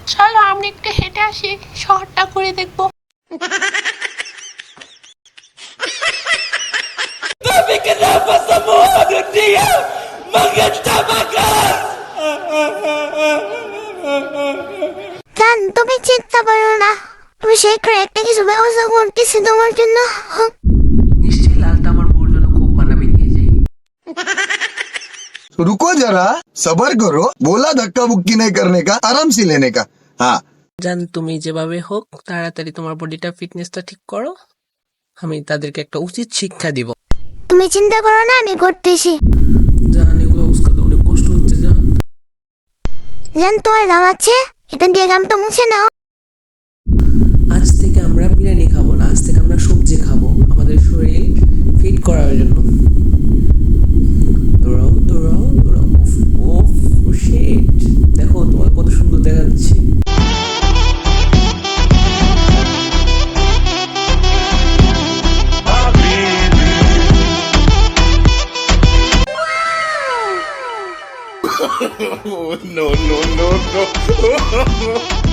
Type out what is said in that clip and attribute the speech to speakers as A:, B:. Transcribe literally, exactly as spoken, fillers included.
A: চলো আমরা একটু হেঁটে আসি, শহরটা ঘুরে দেখবো।
B: জান, তুমি চিন্তা করো না, তুমি সেই একটা কিছু ব্যবস্থা করতেছি তোমার জন্য।
C: নিশ্চয়ই লালটা আমার বউর জন্য খুব মানাবে, নিয়ে যাই।
D: रुको जरा, सबर करो। बोला धक्का बुक्की नहीं करने का, आराम से लेने का। हाँ
C: জান, তুমি যেভাবে হোক তাড়াতাড়ি তোমার বডিটা ফিটনেসটা ঠিক করো, আমি তাদেরকে একটা উচিত শিক্ষা দিব।
B: তুমি চিন্তা করো না, আমি করতেছি।
C: জান, এগুলো উস্কাতে অনেক কষ্ট হচ্ছে জান।
B: জান, তোমার গাম আছে, এটা দিয়ে গামটা মুছে নাও।
C: আজ থেকে আমরা বিরিয়ানি খাবো না, আজ থেকে আমরা সবজি খাবো আমাদের শরীর ফিট করার জন্য। দৌড়াও দৌড়াও দৌড়াও। ওফ ও শিট, দেখো তোমার কত সুন্দর দেখাচ্ছে।
D: no no no no